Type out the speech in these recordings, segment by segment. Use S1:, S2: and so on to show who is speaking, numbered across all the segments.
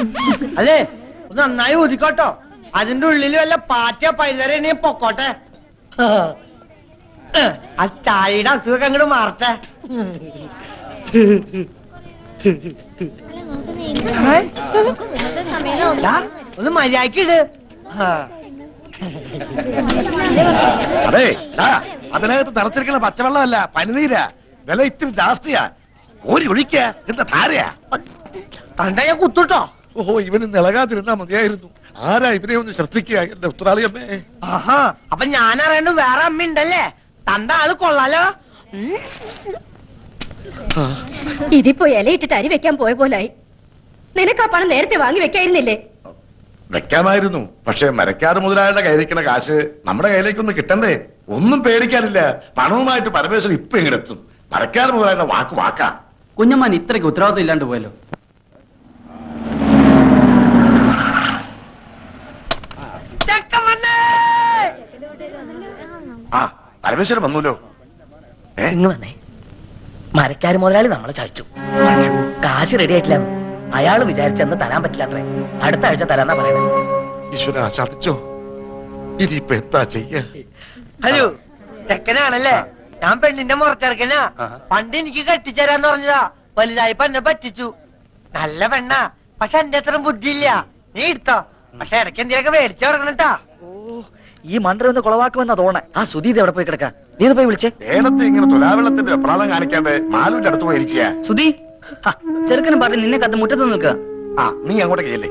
S1: അതെ ഒന്ന് നന്നായി ഊതിക്കോട്ടോ. അതിന്റെ ഉള്ളിൽ വല്ല പാറ്റ പൈതര പൊക്കോട്ടെ. ആ ചായയുടെ അസുഖം അങ്ങോട്ട് മാറട്ടെ. ഒന്ന് മര്യാദക്കിട്.
S2: അതെ അതിനകത്ത് തിളച്ചിരിക്കുന്ന പച്ചവെള്ളമല്ല, പനിനീരാ. വില ഇത്തിരി ജാസ്തിയാ. ഓരി ഒഴിക്ക എന്താ ധാരയാ.
S1: കണ്ട ഞാൻ കുത്തുട്ടോ.
S2: ഓഹോ, ഇവന് നിളകാതിരുന്നാ മതിയായിരുന്നു. ആരാ ഇവനെ ഒന്ന് ശ്രദ്ധിക്കുക എന്റെ ഉത്തരാളി അമ്മേ.
S1: ആഹാ, അപ്പൊ ഞാൻ അറിയണ്ട വേറെ അമ്മ ഉണ്ടല്ലേ. തന്റെ ആള് കൊള്ളാലോ.
S3: ഇതിപ്പോ ഇലയിട്ടിട്ട് അരി വെക്കാൻ പോയ പോലായി. നിനക്ക് ആ പണം നേരത്തെ വാങ്ങി വെക്കായിരുന്നില്ലേ?
S2: വെക്കാമായിരുന്നു, പക്ഷെ മരക്കാട് മുതലാളിയുടെ കയ്യിലിരിക്കുന്ന കാശ് നമ്മുടെ കയ്യിലേക്കൊന്നും കിട്ടണ്ടേ. ഒന്നും പേടിക്കാനില്ല. പണവുമായിട്ട് പരമേശ്വരൻ ഇപ്പൊ എങ്ങനെത്തും. മരക്കാട് മുതലാളിയുടെ വാക്ക് വാക്കാ.
S4: കുഞ്ഞമ്മാൻ ഇത്രയ്ക്ക് ഉത്തരവാദിത്വം ഇല്ലാണ്ട് പോയല്ലോ.
S2: ആ പരമേശ്വരൻ വന്നൂലോ.
S1: വന്നേ. മരക്കാര് മുതലാളി നമ്മളെ ചതിച്ചു. കാശ് റെഡി ആയിട്ടില്ല. അയാള് വിചാരിച്ചെന്ന് തരാൻ പറ്റില്ല അത്രേ. അടുത്ത ആഴ്ച തരാന്നാ പറയുന്നത്.
S2: ഈശ്വര ചതിച്ചോ. ഇനിയിപ്പൊ എന്താ ചെയ്യാ?
S1: ഹലോ, ചെക്കനാണല്ലേ? ഞാൻ പെണ്ണിന്റെ മുറച്ചെറുക്കനാ. പണ്ട് എനിക്ക് കെട്ടിച്ചേരാന്ന് പറഞ്ഞതാ. വലുതായിപ്പോ എന്നെ പറ്റിച്ചു. നല്ല പെണ്ണാ, പക്ഷെ എന്റെ അത്ര ബുദ്ധിയില്ല. നീ എടുത്തോ, പക്ഷെ ഇടയ്ക്ക് എന്തെങ്കിലുമൊക്കെ മേടിച്ചു കൊടുക്കണട്ടാ.
S5: ഈ മണ്ടർ ഒന്ന് കുളവാക്കുമെന്നാ തോന്നേ. ആ സുധീത് എവിടെ പോയി കിടക്കാം? നീ ഒന്ന് പോയി വിളിച്ചേ.
S2: നേരത്തെ ഇങ്ങനെ തുലാവെള്ളത്തിന്റെ വെപ്രാളം കാണിക്കാണ്ട് മാലുവിന്റെ അടുത്ത് പോയിരിക്കുക.
S5: സുധി, ചെറുക്കനും പറഞ്ഞ് നിന്നെ കത്ത് മുറ്റത്ത് നിൽക്കുക.
S2: ആ നീ അങ്ങോട്ട് കയല്ലേ.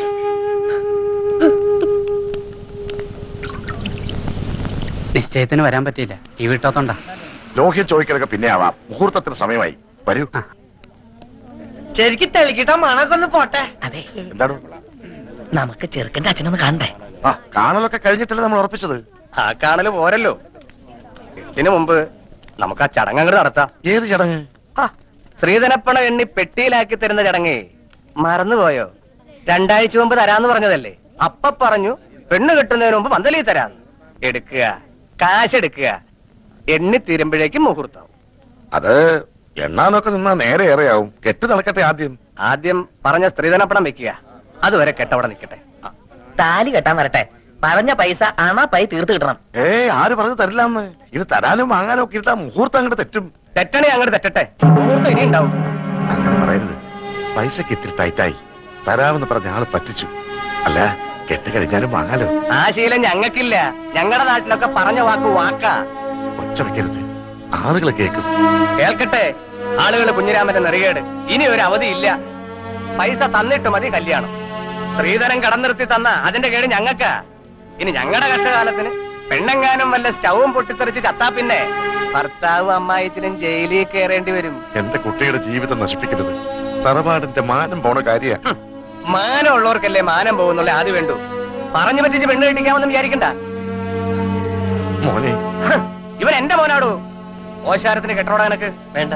S4: നിശ്ചയത്തിന് വരാൻ പറ്റിയില്ല, ഈ വീട്ടോത്തോണ്ടാ.
S2: ലോഹ്യ ചോദിക്കലൊക്കെ പിന്നെ ആവാം. മുഹൂർത്തത്തിന് സമയമായി. വരൂ.
S1: ശരിക്കും തെളിക്കിട്ടോ മണൊക്കെ ഒന്ന് പോട്ടെ.
S5: അതെ,
S2: എന്താണ്?
S5: നമുക്ക് ചെറുക്കന്റെ അച്ഛനൊന്ന് കാണണ്ടേ?
S2: ആ കാണലൊക്കെ കഴിഞ്ഞിട്ടല്ലേ നമ്മൾ ഉറപ്പിച്ചത്.
S6: ആ കാണല് പോരല്ലോ. ഇതിനു മുമ്പ് നമുക്ക് ആ ചടങ്ങ് അങ്ങോട്ട് നടത്താം.
S2: ഏത് ചടങ്ങ്?
S6: ശ്രീധനപ്പണ എണ്ണി പെട്ടിയിലാക്കി തരുന്ന ചടങ്ങേ. മറന്നുപോയോ? 2 ആഴ്ച മുമ്പ് തരാന്ന് പറഞ്ഞതല്ലേ. അപ്പ പറഞ്ഞു പെണ്ണ് കെട്ടുന്നതിന് മുമ്പ് പന്തലി തരാന്ന്. എടുക്കുക, കാശ് എടുക്കുക. എണ്ണി തീരുമ്പോഴേക്കും മുഹൂർത്താവും.
S2: അത് എണ്ണാനൊക്കെ നിന്നാ നേരെ ഏറെയാവും. കെട്ട് നടക്കട്ടെ.
S6: ആദ്യം പറഞ്ഞ സ്ത്രീധനപ്പണം വെക്കുക. അതുവരെ കെട്ടവിടെ നിൽക്കട്ടെ.
S5: താലി കെട്ടാൻ വരട്ടെ. പറഞ്ഞ പൈസ പൈ തീർത്ത് കിട്ടണം.
S2: ആര് പറഞ്ഞു തരില്ലാന്ന്? ഇത് തരാനും വാങ്ങാനും ഒക്കെ ഇരുത്താ മുഹൂർത്തം അങ്ങോട്ട് തെറ്റും.
S6: തെറ്റണേ അങ്ങോട്ട് തെറ്റട്ടെ. മുഹൂർത്തം ഇനി ഉണ്ടാവും.
S2: അങ്ങനെ പറയരുത്. പൈസക്ക് ഇത്തിരി ടൈറ്റായി. തരാമെന്ന് പറഞ്ഞ ആള് പറ്റിച്ചു. അല്ല, കെട്ട് കഴിഞ്ഞാലും വാങ്ങാലോ.
S6: ആ ശീലം ഞങ്ങൾക്കില്ല. ഞങ്ങളുടെ നാട്ടിലൊക്കെ പറഞ്ഞ വാക്ക് വാക്കാ.
S2: ഒച്ച വെക്കരുത്, ആളുകളെ കേൾക്കും.
S6: കേൾക്കട്ടെ ആളുകൾ. കുഞ്ഞിരാമന്റെ നെറികേട്. ഇനി ഒരു അവധിയില്ല. പൈസ തന്നിട്ട് മതി കല്യാണം. സ്ത്രീധനം കടം നിർത്തി തന്ന അതിന്റെ കേട് ഞങ്ങൾക്കാ. ഇനി ഞങ്ങളുടെ കഷ്ടകാലത്തിന് പെണ്ണെങ്ങാനും വല്ല സ്റ്റൗവും പൊട്ടിത്തെറിച്ച് ചത്താ പിന്നെ ഭർത്താവും അമ്മായിച്ചിനും ജയിലിൽ കയറേണ്ടി വരും.
S2: എന്റെ കുട്ടിയുടെ ജീവിതം നശിപ്പിക്കരുത്. തറവാടിന്റെ മാനം പോണ കാര്യ.
S6: മാനം ഉള്ളവർക്കല്ലേ മാനം പോകുന്നുള്ള ആദ്യം വേണ്ടു. പറഞ്ഞു പറ്റിച്ച് പെണ്ണ് കെട്ടിക്കാമെന്ന് വിചാരിക്കണ്ട.
S2: മോനെ,
S6: ഇവൻ എന്റെ മോനാടോ. ഓശാരത്തിന് കെട്ടോടാ എനക്ക് വേണ്ട.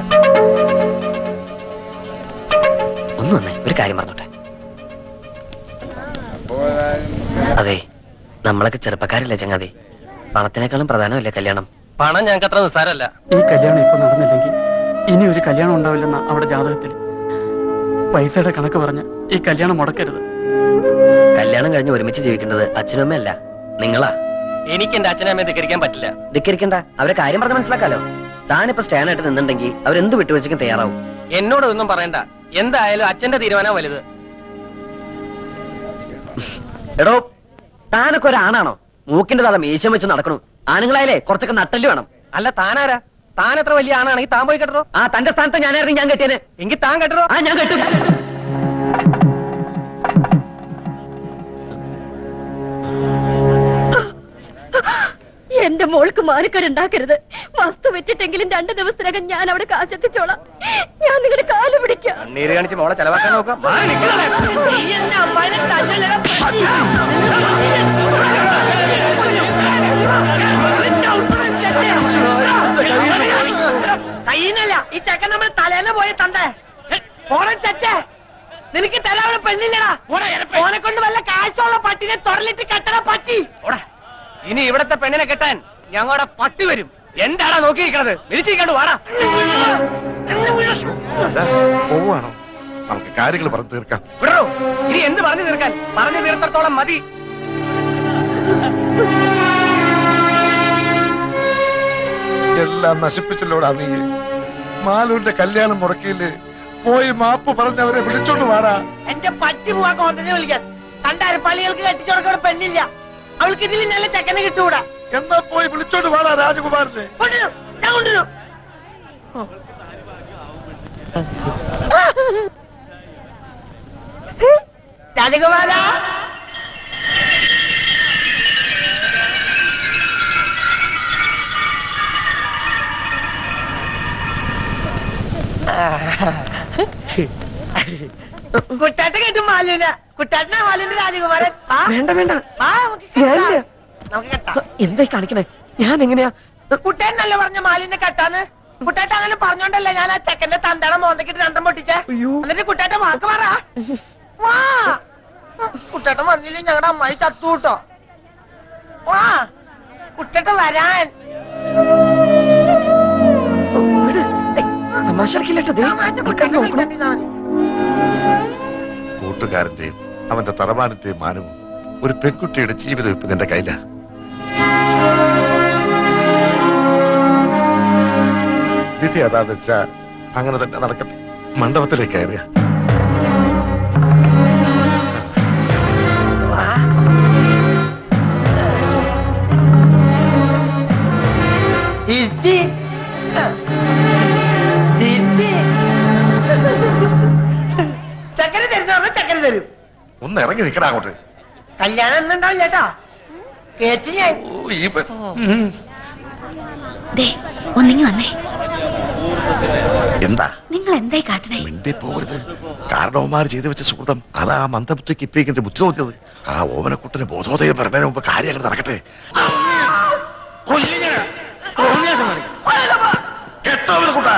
S5: ഒന്ന് വന്നേ, ഒരു കാര്യം പറഞ്ഞോട്ടെ. അതെ, നമ്മളൊക്കെ ചെറുപ്പക്കാരല്ലേ ചങ്ങാതി. പണത്തിനേക്കാളും പ്രധാനമല്ലേ കല്യാണം?
S6: പണം ഞങ്ങൾക്ക് അത്ര നിസ്സാരല്ല.
S4: ഈ കല്യാണം ഇപ്പൊ നടന്നില്ലെങ്കിൽ ഇനി ഒരു കല്യാണം ഉണ്ടാവില്ലെന്ന അവിടെ ജാതകത്തിൽ. പൈസയുടെ കണക്ക് പറഞ്ഞ് ഈ കല്യാണം മുടക്കരുത്.
S5: കല്യാണം കഴിഞ്ഞ് ഒരുമിച്ച് ജീവിക്കേണ്ടത് അച്ഛനും അമ്മയല്ല, നിങ്ങളാ.
S6: എനിക്ക് എന്റെ അച്ഛനമ്മയെ ധിക്കരിക്കാൻ പറ്റില്ല.
S5: ധിക്കരിക്കണ്ട, അവരെ കാര്യം പറഞ്ഞ് മനസ്സിലാക്കാലോ. താനിപ്പോ സ്റ്റാൻഡായിട്ട് നിന്നുണ്ടെങ്കിൽ അവരെന്ത് വിട്ടുവീഴ്ചയ്ക്കും തയ്യാറാവും.
S6: എന്നോട് ഒന്നും പറയണ്ട. എന്തായാലും അച്ഛന്റെ തീരുമാനം വലുത്.
S5: എടോ, താനൊക്കെ ഒരാണാണോ? മൂക്കിന്റെ തല മീശം വെച്ച് നടക്കണു. ആണുങ്ങളായാലേ കുറച്ചൊക്കെ നട്ടല് വേണം.
S6: അല്ല താനാരാ? താൻ എത്ര വലിയ ആണാണെങ്കിൽ താൻ പോയി കെട്ടറോ.
S5: ആ തന്റെ സ്ഥാനത്ത് ഞാനായിരുന്നു ഞാൻ കെട്ടിയന്.
S6: എങ്കിൽ താൻ കെട്ടറോ.
S5: ആ ഞാൻ കെട്ടും.
S3: എന്റെ മോൾക്ക് മാനക്കേടുണ്ടാക്കരുത്. വസ്തു വെച്ചിട്ടെങ്കിലും 2 ദിവസത്തിനകം ഞാൻ അവിടെ കാശെത്തിച്ചോളാം. ഞാൻ നിങ്ങളുടെ കാല് പിടിക്കാം.
S6: നീര് കാണിച്ച് മോളെ ചെലവാക്കാൻ നോക്കാം.
S1: കയ്യിന്നല്ല, ഈ ചെക്കൻ നമ്മൾ തലേന്ന് പോയി തണ്ടേ. ഓണം ചെറ്റേ, നിനക്ക് തരാവുന്ന പെണ്ണില്ലടാ. ഓനെ കൊണ്ട് വല്ല കാശുള്ള പട്ടിനെ തൊടലിട്ട് കെട്ടണ പട്ടി.
S6: ഇനി ഇവിടത്തെ പെണ്ണിനെ കെട്ടാൻ ഞങ്ങളുടെ പട്ടി വരും. എന്താടാ നോക്കിയിരിക്കണത്? വിളിച്ചിരിക്കണ്ടു വാടാ.
S2: പോവാണോ? നമുക്ക് കാര്യങ്ങൾ പറഞ്ഞു തീർക്കാം.
S6: വിടോ, ഇനി എന്ത് പറഞ്ഞു തീർക്കാൻ? പറഞ്ഞു തീർത്തത്തോളം മതി.
S2: എല്ലാം നശിപ്പിച്ചല്ലോടാ നീ. മാലൂരിന്റെ കല്യാണം മുടക്കിയില്ലേ? പോയി മാപ്പ് പറഞ്ഞവരെ വിളിച്ചോണ്ട് വാടാ.
S1: എന്റെ പട്ടി പോവാ കോണ്ടനെ വിളിക്കാൻ. കണ്ടാര പള്ളികൾക്ക് കെട്ടിച്ചോടക്കോടെ പെണ്ണില്ല. അവൾക്ക് ഇതിൽ നല്ല ചെക്കനെ കിട്ടൂടാ.
S2: എന്നാ പോയി വിളിച്ചോണ്ട് വാടാ രാജകുമാരനെ.
S1: കൊണ്ടുവരൂ, ഞാൻ കൊണ്ടുവരൂ. രാജകുമാര, കുട്ടാട്ട കേട്ടു മാലൂല. കുട്ടാട്ടനാ മാലൂന്റെ രാജകുമാരൻ.
S5: വേണ്ട വേണ്ട,
S1: നമുക്ക് കെട്ടാം. നമുക്ക് കെട്ടാം.
S5: എന്തായി കാണിക്കണേ? ഞാൻ എങ്ങനെയാ?
S1: കുട്ടേനല്ലേ പറഞ്ഞ മാലിന്റെ കെട്ടാന്ന്? കുട്ടേട്ട അങ്ങനെ പറഞ്ഞോണ്ടല്ലേ ഞാൻ ആ ചെക്കന്റെ തന്തട മോന്തക്കിട്ട് രണ്ടും പൊട്ടിച്ചേ. എന്നിട്ട് കുട്ടേട്ട വാക്ക് പറ. വാ, കുട്ടേട്ടൻ വന്നില്ലേ ഞങ്ങളുടെ അമ്മായി ചത്തു കൂട്ടോ. വാ, കുട്ടേട്ട വരാൻ.
S2: കൂട്ടുകാരന്റെയും അവന്റെ തറവാനത്തെയും മാനവും ഒരു പെൺകുട്ടിയുടെ ജീവിതം ഇപ്പൊ നിന്റെ കയ്യില. വിധി അതാന്ന് വെച്ചാ അങ്ങനെ തന്നെ നടക്കട്ടെ. മണ്ഡപത്തിലേക്ക് കയറുക.
S1: ചിരിച്ചി. ചിരിച്ചി. ചക്കര തരുന്ന പറഞ്ഞ ചക്കര തരും.
S2: ഒന്ന് ഇറങ്ങി നിൽക്കണ അങ്ങോട്ട്.
S1: കല്യാണം എന്നുണ്ടാവും ചേട്ടാ. കേറ്റി ഞാൻ.
S3: ഒന്നിങ്ങി വന്നേ.
S2: എന്താ
S3: നിങ്ങൾ എന്തായി കാട്ടണേ?
S2: മിണ്ടി പോകരുത്. കാരണവന്മാർ ചെയ്തു വെച്ച സുഹൃതം അതാ മന്ദബുദ്ധിക്ക് ഇപ്പിക്കിന്റെ ബുദ്ധി തോന്നിയത്. ആ ഓമനക്കുട്ടന് ബോധോദയം പറഞ്ഞതിന് മുമ്പ് കാര്യങ്ങൾ നടക്കട്ടെ. കേട്ടോ കുട്ടാ?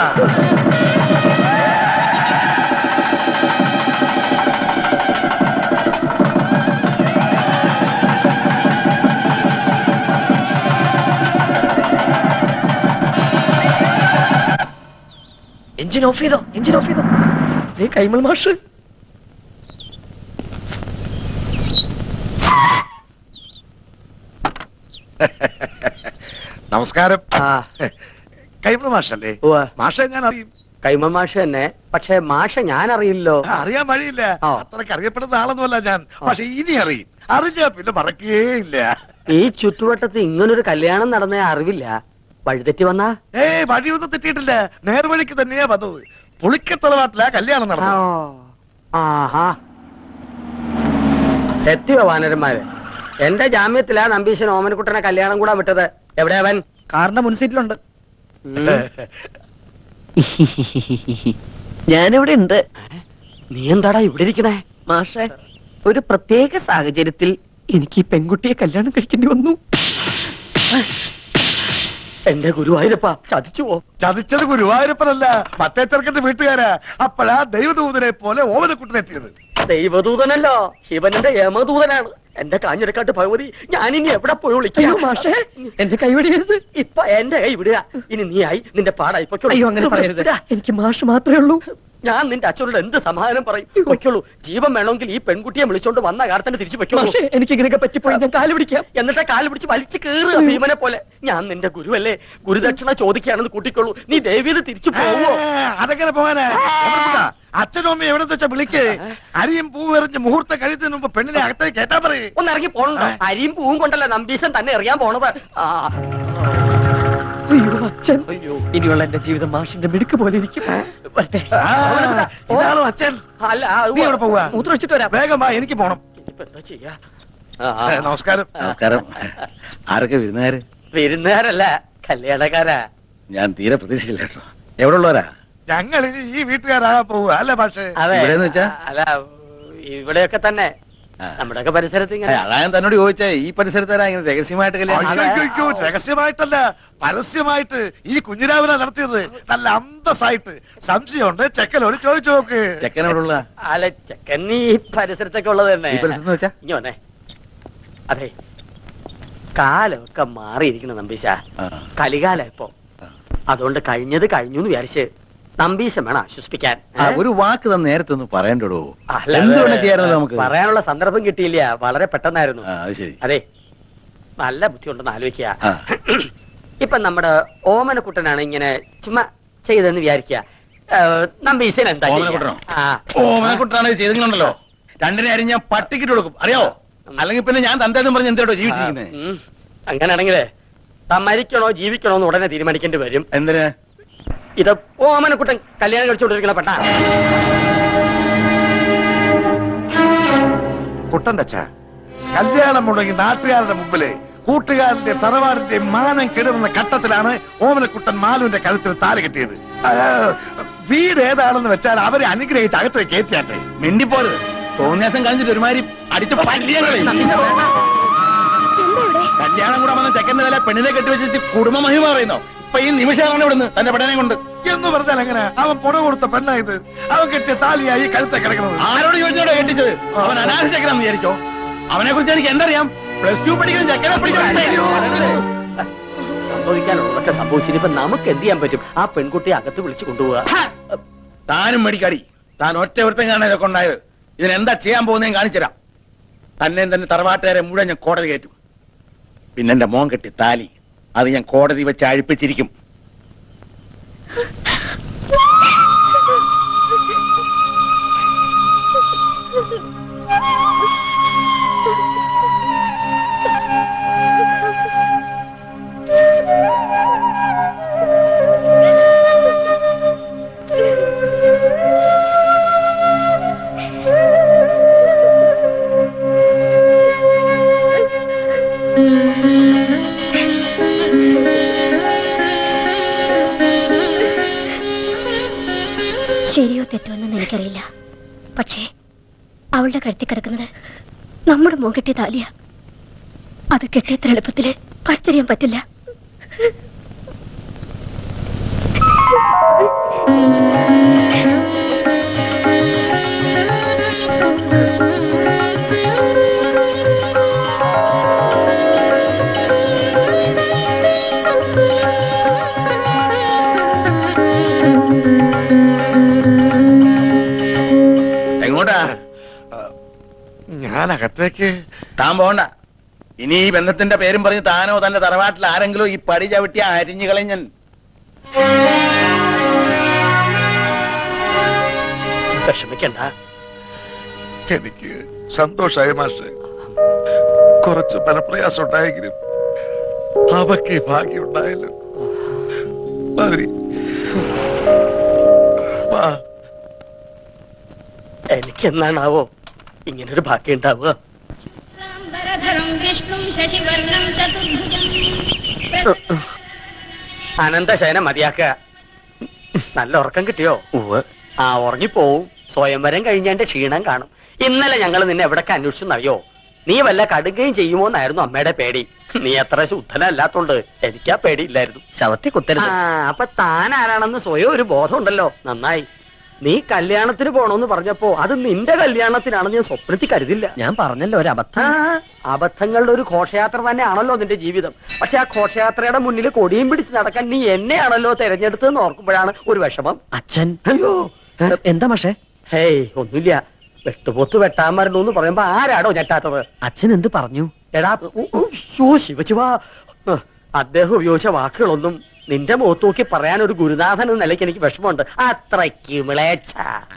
S5: എഞ്ചിൻ ഓഫ് ചെയ്തോ, എഞ്ചിൻ ഓഫ് ചെയ്തോ. കൈമൾ മാഷ്
S2: നമസ്കാരം. കൈമൾ മാഷല്ലേ? മാഷെ ഞാൻ അറിയും.
S5: കൈമൾ മാഷ് തന്നെ. പക്ഷെ മാഷ ഞാൻ അറിയില്ലോ.
S2: അറിയാൻ വഴിയില്ല. അത്രക്ക് അറിയപ്പെടുന്ന ആളൊന്നുമല്ല ഞാൻ. പക്ഷെ ഇനി അറിയും. അറിഞ്ഞാ പിന്നെ മറക്കേയില്ല.
S5: ഈ ചുറ്റുവട്ടത്ത് ഇങ്ങനൊരു കല്യാണം നടന്ന അറിവില്ല. വഴിതെറ്റി വന്നാ?
S2: വഴിയൊന്നും തെറ്റിയിട്ടില്ല. നേർവഴിക്ക് തന്നെയാ വന്നത്. പുളിക്കത്തറവാട്ടിലാ കല്യാണം നടന്നത്.
S5: ആഹാ, എത്തിയോ വാനരന്മാര്? എന്റെ ജാമ്യത്തിലാ നമ്പീശൻ ഓമനക്കുട്ടനെ കല്യാണം കൂടാൻ വിട്ടത്. എവിടെ അവൻ?
S4: കാറിന്റെ മുൻസീറ്റിലുണ്ട്.
S5: ഞാനിവിടെ ഉണ്ട്. നീ എന്താടാ ഇവിടെ ഇരിക്കണേ? മാഷെ, ഒരു പ്രത്യേക സാഹചര്യത്തിൽ എനിക്ക് ഈ പെൺകുട്ടിയെ കല്യാണം കഴിക്കേണ്ടി വന്നു. എന്റെ ഗുരുവായൂരപ്പ, ചതിച്ചുവോ?
S2: ചതിച്ചത് ഗുരുവായൂരപ്പനല്ല, മറ്റേ ചെറുക്കന്റെ വീട്ടുകാരാ. അപ്പോഴാ ദൈവദൂതനെ പോലെ ഓമനക്കുട്ടനെത്തിയത്.
S5: ദൈവദൂതനല്ലോ, ശിവന്റെ യമദൂതനാണ്. എന്റെ കാഞ്ഞിരക്കാട്ട് ഭഗവതി, ഞാനിനി എവിടെ പോയി വിളിക്കാം? മാഷേ, എന്റെ കൈ വിടരുത്. ഇപ്പൊ എന്റെ കൈ വിടുക. ഇനി നീ ആയി നിന്റെ പാടായി പൊയ്ക്കോളൂ. അയ്യോ, അങ്ങനെ പറയരുത്. എനിക്ക് മാഷ് മാത്രമേ ഉള്ളൂ. ഞാൻ നിന്റെ അച്ഛനോട് എന്ത് സമാധാനം പറയും? പൊയ്ക്കോളൂ. ജീവൻ വേണമെങ്കിൽ ഈ പെൺകുട്ടിയെ വിളിച്ചോണ്ട് വന്ന കാലത്തന്നെ തിരിച്ചു പൊയ്ക്കോളൂ. എനിക്ക് ഇങ്ങനെയൊക്കെ പറ്റിപ്പോയി ഞാൻ കാല് പിടിക്കാം. എന്നിട്ട് കാല് പിടിച്ച് വലിച്ചു കയറുക ഭീമനെ പോലെ. ഞാൻ നിന്റെ ഗുരുവല്ലേ, ഗുരുദക്ഷിണ ചോദിക്കുകയാണെന്ന് കൂട്ടിക്കോളൂ. നീ ദേവിയത് തിരിച്ചു പോവോ?
S2: അതെങ്ങനെ പോകാനാ? അച്ഛനും അമ്മയും എവിടെ വെച്ചാ വിളിക്ക്. അരിയും പൂവും എറിഞ്ഞ് മുഹൂർത്തം കഴിയുന്നതിന് മുമ്പ് പെണ്ണിനെ അകത്തേക്ക് കേട്ടാ പറയും.
S5: ഒന്ന് ഇറങ്ങി പോണോ? അരിയും പൂവും കൊണ്ടല്ല നമ്പീശൻ തന്നെ എറിയാൻ പോണത്. അയ്യോ അച്ഛൻ, അയ്യോ, ഇനിയുള്ള എന്റെ ജീവിതം മാഷിന്റെ മിടുക്ക് പോലെ ഇരിക്കും.
S2: ഇതാണോ അച്ഛൻ?
S5: അല്ല,
S2: നീ എവിടെ പോവാ?
S5: മൂത്രം വെച്ചിട്ട് വരാം.
S2: വേഗം വാ, എനിക്ക് പോണം.
S5: ഇനിയിപ്പോ എന്താ ചെയ്യാ?
S2: നമസ്കാരം.
S7: നമസ്കാരം. ആരൊക്കെ വിരുന്നുകാര്?
S5: വിരുന്നുകാരല്ല, കല്യാണക്കാരാ.
S7: ഞാൻ തീരെ പ്രതീക്ഷിച്ചില്ല കേട്ടോ. എവിടെ ഉള്ളവരാ?
S2: ഞങ്ങൾ ഇനി ഈ വീട്ടുകാരാകാൻ പോവുക അല്ലേ പക്ഷേ?
S5: അതെ,
S7: ഇവിടെന്ന് വെച്ചാ?
S5: അല്ല, ഇവിടെയൊക്കെ തന്നെ നമ്മുടെയൊക്കെ പരിസരത്ത് ഇങ്ങനെ.
S7: അതാ ഞാൻ തന്നോട് ചോദിച്ചേ, ഈ പരിസരത്താരാ ഇങ്ങനെ രഹസ്യമായിട്ട് കല്യാണം?
S2: അയ്യോ, രഹസ്യമായിട്ടല്ല, പരസ്യമായിട്ട് ഈ കുഞ്ഞിരാവിനെ നടത്തിയത്. നല്ല അന്തസ്സായിട്ട്. സംശയമുണ്ട്, ചെക്കനോട് ചോദിച്ചു നോക്ക്.
S7: ചെക്കൻ എവിടെ ഉള്ള?
S5: അല്ല, ചെക്കൻ ഈ പരിസരത്തൊക്കെ ഉള്ളത് തന്നെ.
S7: ഈ പരിസരത്ത് വെച്ചാ?
S5: ഇനി വന്നേ. അതെ, കാലമൊക്കെ മാറിയിരിക്കണം നമ്പീശ. കലികാല ഇപ്പൊ. അതുകൊണ്ട് കഴിഞ്ഞത് കഴിഞ്ഞു എന്ന് വിചാരിച്ച് നമ്പീശം വേണം ആശ്വസിപ്പിക്കാൻ.
S7: ഒരു വാക്ക് തന്നെ നേരത്തെ ഒന്ന് പറയണ്ടോ?
S5: അല്ല,
S7: എന്തുകൊണ്ട് ചെയ്യാറുണ്ട് നമുക്ക്?
S5: പറയാനുള്ള സന്ദർഭം കിട്ടിയില്ല, വളരെ പെട്ടെന്നായിരുന്നു.
S7: അത് ശരി.
S5: അതെ, നല്ല ബുദ്ധിയുണ്ടെന്ന് ആലോചിക്കുക.
S7: ആ.
S5: ഇപ്പൊ നമ്മുടെ ഓമനക്കുട്ടനാണ് ഇങ്ങനെ ചുമ്മാ ചെയ്തെന്ന് വിചാരിക്കുക. നമ്പീശൻ എന്താ ചെയ്യാ?
S7: ഓമനക്കുട്ടനോ?
S5: ആ.
S7: ഓമനക്കുട്ടനാണ് ചെയ്തിട്ടുണ്ടല്ലോ, രണ്ടിനെ അരി ഞാൻ പട്ടിക്കിട്ട് കൊടുക്കും, അറിയോ? അല്ലെങ്കിൽ പിന്നെ ഞാൻ തന്തേന്നും പറഞ്ഞ് എന്തോ ജീവിച്ചിരിക്കുന്നത്.
S5: അങ്ങനെയാണെങ്കിലേ മരിക്കണോ ജീവിക്കണോ എന്ന് ഉടനെ തീരുമാനിക്കേണ്ടി വരും.
S7: എന്തിന്?
S5: ഇത് ഓമനക്കുട്ടൻ കല്യാണം കഴിച്ചുകൊണ്ടിരിക്കണ പെട്ടാ.
S2: കുട്ടന്റെ അച്ഛ, കല്യാണം മുടങ്ങി നാട്ടുകാരുടെ മുമ്പില് കൂട്ടുകാരന്റെ തറവാടിന്റെ മാനം കെടുന്ന ഘട്ടത്തിലാണ് ഓമനക്കുട്ടൻ മാലുവിന്റെ കഴുത്തിൽ താല് കെട്ടിയത്. വീട് ഏതാണെന്ന് വെച്ചാൽ അവരെ അനുഗ്രഹിച്ച് അകത്തേക്ക് കയറ്റിയാട്ടെ.
S7: മിണ്ടിപ്പോരുത്. തോന്നിയാസം കളിച്ചിട്ട് ഒരുമാതിരി അടിച്ച് പല്ലിയങ്ങളെ. കല്യാണം കൂടെ വന്ന ചെക്കന്റെ തല പെണ്ണിനെ കെട്ടിവെച്ചിട്ട് കുടുംബ മഹിമ പറയുന്നോ? ഇപ്പൊ ഈ നിമിഷമാണ് ഇവിടുന്ന് തന്റെ പെടനെ കൊണ്ട്
S2: എന്ന് പറഞ്ഞാൽ എങ്ങനെ? അവൻ പുറ കൊടുത്ത പെണ്ണായത്, അവൻ കെട്ടിയ താലിയായി കഴുത്തെ കിടക്കുന്നത്.
S7: ആരോട് ചോദിച്ചോടോ കെട്ടിച്ചത്? അവൻ അനാഥ ചെക്കനാന്ന് വിചാരിച്ചോ? അവനെ കുറിച്ച് എനിക്ക് എന്തറിയാം? +2 പഠിക്കുന്ന ചെക്കനെ
S5: സംഭവിക്കാനുള്ളതൊക്കെ സംഭവിച്ചിട്ട് ഇപ്പൊ നമുക്ക് എന്ത് ചെയ്യാൻ പറ്റും? ആ പെൺകുട്ടിയെ അകത്ത് വിളിച്ചു കൊണ്ടുപോവുക.
S7: താനും മേടിക്കാടി. താൻ ഒറ്റ ഒരുത്തം കാണാൻ ഇതൊക്കെ ഉണ്ടായത്. ഇതിനെന്താ ചെയ്യാൻ പോകുന്നതെന്ന് കാണിച്ചുതരാം. തന്നെ തന്നെ തറവാട്ടുകാരെ മുഴുവൻ ഞാൻ കോടതി കയറ്റും. പിന്നെ എന്റെ മോൻ കെട്ടി താലി അത് ഞാൻ കോടതി വെച്ച് അഴിപ്പിച്ചിരിക്കും.
S3: ശരിയോ തെറ്റോ എന്ന് എനിക്കറിയില്ല. പക്ഷേ അവളുടെ കഴുത്തി കിടക്കുന്നത് നമ്മുടെ മോൻ കെട്ടിയ താലിയ. അത് കെട്ടിയത്ര എളുപ്പത്തില് പറിച്ചറിയാൻ പറ്റില്ല.
S7: എങ്ങോട്ടാ?
S2: ഞാൻ അകത്തേക്ക്.
S7: താൻ പോണ്ട. ഇനി ഈ ബന്ധത്തിന്റെ പേരും പറഞ്ഞ് താനോ തന്റെ തറവാട്ടിൽ ആരെങ്കിലും ഈ പടി ചവിട്ടി അരിഞ്ഞു കളഞ്ഞൻ.
S5: വിഷമിക്കണ്ട.
S2: എനിക്ക് സന്തോഷായി മാഷെ. കുറച്ച് മനപ്രയാസം ഉണ്ടായെങ്കിലും അവക്ക് ഭാഗ്യം ഉണ്ടായല്ലോ. മാതിരി വാ.
S5: എനിക്ക് എന്നാണാവോ ഇങ്ങനൊരു ഭാഗ്യം ഉണ്ടാവുക? അനന്തശയനം മതിയാക്കുക. നല്ല ഉറക്കം കിട്ടിയോ? ആ, ഉറങ്ങിപ്പോവും. സ്വയംവരം കഴിഞ്ഞാന്റെ ക്ഷീണം കാണും. ഇന്നലെ ഞങ്ങൾ നിന്നെ എവിടൊക്കെ അന്വേഷിച്ചെന്നറിയോ? നീ വല്ല കടുകയും ചെയ്യുമോന്നായിരുന്നു അമ്മയുടെ പേടി. നീ അത്ര ശുദ്ധനല്ലാത്തോണ്ട് എനിക്കാ പേടിയില്ലായിരുന്നു.
S1: ശവത്തെ കുത്തരുത്.
S5: അപ്പൊ താൻ ആരാണെന്ന് സ്വയം ഒരു ബോധം ഉണ്ടല്ലോ. നന്നായി. നീ കല്യാണത്തിന് പോണോന്ന് പറഞ്ഞപ്പോ അത് നിന്റെ കല്യാണത്തിനാണെന്ന് ഞാൻ സ്വപ്നത്തിൽ കരുതില്ല.
S1: ഞാൻ പറഞ്ഞല്ലോ ഒരു അബദ്ധം.
S5: അബദ്ധങ്ങളുടെ ഒരു ഘോഷയാത്ര തന്നെയാണല്ലോ നിന്റെ ജീവിതം. പക്ഷെ ആ ഘോഷയാത്രയുടെ മുന്നിൽ കൊടിയും പിടിച്ച് നടക്കാൻ നീ എന്നെയാണല്ലോ തെരഞ്ഞെടുത്തെന്ന് ഓർക്കുമ്പോഴാണ് ഒരു വിഷമം.
S1: അച്ഛൻ
S5: അയ്യോ,
S1: എന്താ പക്ഷേ?
S5: ഹേയ്, ഒന്നുമില്ല. വെട്ടുപോത്ത് വെട്ടാൻ മരണു പറയുമ്പോ ആരാടോ ഞെട്ടാത്തത്?
S1: അച്ഛൻ എന്ത് പറഞ്ഞു?
S5: എടാ, ശിവശിവാ, അദ്ദേഹം ഉപയോഗിച്ച വാക്കുകളൊന്നും നിന്റെ മുഖത്ത് നോക്കി പറയാൻ ഒരു ഗുരുനാഥൻ എന്ന നിലയ്ക്ക് എനിക്ക് വിഷമമുണ്ട്. അത്രയ്ക്ക് മിളേച്ച.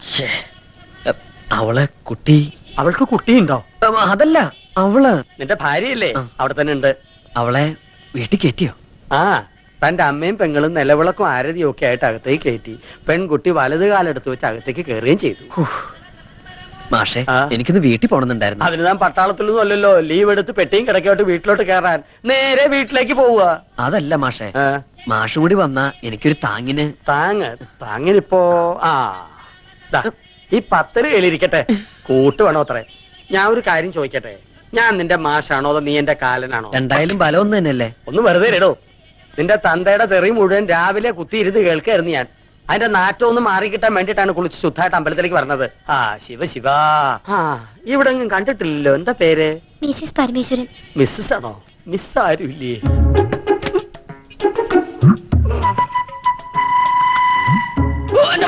S1: അവളെ കുട്ടി.
S5: അവൾക്ക് കുട്ടിയുണ്ടോ?
S1: അതല്ല, അവള്
S5: നിന്റെ ഭാര്യയല്ലേ? അവിടെ തന്നെ ഉണ്ട്.
S1: അവളെ വീട്ടിൽ കയറ്റിയോ?
S5: ആ, തന്റെ അമ്മയും പെങ്ങളും നിലവിളക്കും ആരതിയും ഒക്കെ ആയിട്ട് അകത്തേക്ക് കയറ്റി. പെൺകുട്ടി വലത് കാലെടുത്ത് വെച്ച് അകത്തേക്ക് കയറുകയും ചെയ്തു.
S1: മാഷെ,
S5: ആ?
S1: എനിക്കൊന്ന് വീട്ടിൽ പോണെന്നുണ്ടായിരുന്നു.
S5: അതിന് താൻ പട്ടാളത്തിലൊന്നും അല്ലല്ലോ. ലീവ് എടുത്ത് പെട്ടിയും കിടക്കോട്ട് വീട്ടിലോട്ട് കയറാൻ നേരെ വീട്ടിലേക്ക് പോവുക.
S1: അതല്ല മാഷെ, മാഷും കൂടി വന്നാ എനിക്കൊരു താങ്ങിന്.
S5: താങ്ങിനിപ്പോ ദാ, ഈ 10 കയ്യിലിരിക്കട്ടെ. കൂട്ട് വേണോ അത്രേ? ഞാൻ ഒരു കാര്യം ചോദിക്കട്ടെ. ഞാൻ നിന്റെ മാഷാണോ അതോ നീ എന്റെ കാലനാണോ?
S1: രണ്ടായാലും ബലം ഒന്ന് തന്നെയല്ലേ?
S5: ഒന്ന് വെറുതെ ഇടോ. നിന്റെ തന്തയുടെ തെറി മുഴുവൻ രാവിലെ കുത്തിയിരുന്ന് കേൾക്കായിരുന്നു ഞാൻ. അതിന്റെ നാറ്റം ഒന്ന് മാറിക്കിട്ടാൻ വേണ്ടിട്ടാണ് കുളിച്ച് ശുദ്ധമായിട്ട് അമ്പലത്തിലേക്ക് പറഞ്ഞത്. ആ, ശിവ. ഇവിടെ ഒന്നും കണ്ടിട്ടില്ലല്ലോ. എന്താ പേര്?
S3: മിസ്സിസ് പരമേശ്വരൻ.
S5: മിസ്സസ് ആണോ? മിസ് ആരും ഇല്ലേ?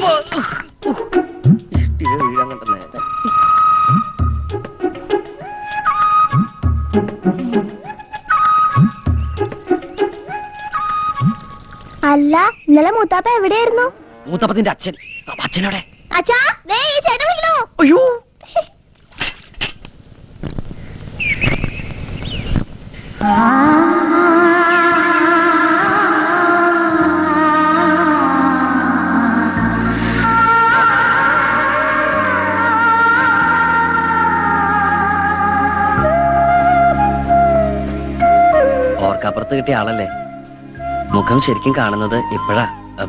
S5: വീഴാൻ കണ്ട നേരെ.
S3: അല്ല ഇന്നലെ മൂത്താപ്പ എവിടെയായിരുന്നു?
S5: മൂത്തപ്പത്തിന്റെ അച്ഛൻ. അച്ഛനോടെ
S3: അച്ഛാ ദേ ഈ ചേട്ടൻ വിളിക്കണോ?
S5: അയ്യോ ഓർക്കപ്പുറത്ത് കിട്ടിയ ആളല്ലേ? മുഖം ശരിക്കും കാണുന്നത് ഇപ്പോഴാ.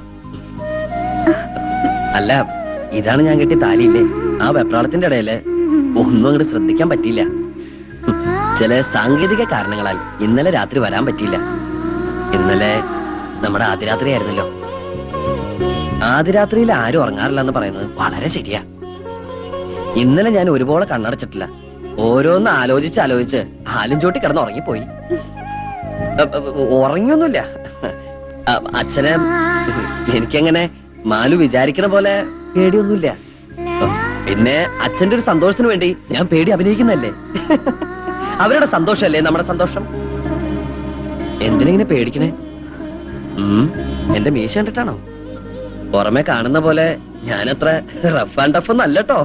S5: അല്ല, ഇതാണ് ഞാൻ കിട്ടിയ താലിയില്ലേ? ആ വെപ്രാളത്തിന്റെ ഇടയില് ഒന്നും അങ്ങോട്ട് ശ്രദ്ധിക്കാൻ പറ്റിയില്ല. ചില സാങ്കേതിക കാരണങ്ങളാൽ ഇന്നലെ രാത്രി വരാൻ പറ്റിയില്ല. ഇന്നലെ നമ്മുടെ ആദ്യരാത്രി ആയിരുന്നല്ലോ. ആദ്യരാത്രിയിൽ ആരും ഉറങ്ങാറില്ല എന്ന് പറയുന്നത് വളരെ ശരിയാ. ഇന്നലെ ഞാൻ ഒരുപോലെ കണ്ണടച്ചിട്ടില്ല. ഓരോന്ന് ആലോചിച്ച് ആലും ചോട്ടി കിടന്ന് ഉറങ്ങിപ്പോയി. ഉറങ്ങിയൊന്നുമില്ല. അച്ഛനെ എനിക്കങ്ങനെ മാലു വിചാരിക്കണ പോലെ പേടിയൊന്നുമില്ല. പിന്നെ അച്ഛന്റെ ഒരു സന്തോഷത്തിന് വേണ്ടി ഞാൻ പേടി അഭിനയിക്കുന്നല്ലേ. അവരുടെ സന്തോഷല്ലേ നമ്മുടെ സന്തോഷം. എന്തിനെങ്ങനെ പേടിക്കണേ? എന്റെ മീശ കണ്ടിട്ടാണോ? പുറമെ കാണുന്ന പോലെ ഞാനത്ര റഫ് ആൻഡ് ടഫ് ഒന്നും അല്ലട്ടോ.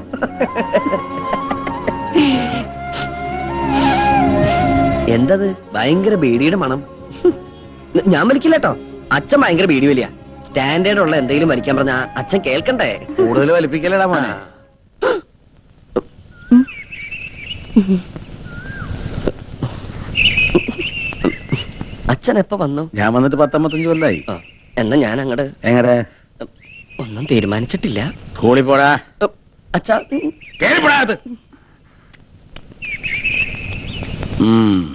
S5: എന്തത് ഭയങ്കര ബീഡിയുടെ മണം? ഞാൻ വലിക്കില്ല കേട്ടോ. അച്ഛൻ ഭയങ്കര ബീഡി വലിയ. സ്റ്റാൻഡേർഡ് ഉള്ള എന്തെങ്കിലും വലിക്കാൻ പറഞ്ഞ അച്ഛൻ കേൾക്കണ്ടേ?
S7: കൂടുതൽ വലിപ്പിക്കലടാ മോനെ.
S5: അച്ഛൻ എപ്പോ വന്നു?
S7: ഞാൻ വന്നിട്ട് 19 കൊല്ലായി.
S5: എന്നാ ഞാൻ അങ്ങട്
S7: എങ്ങടെ?
S5: ഒന്നും തീരുമാനിച്ചിട്ടില്ല.
S7: സ്കൂളിൽ പോടാ.
S5: അച്ഛാ
S7: കേറിപ്പോടാ.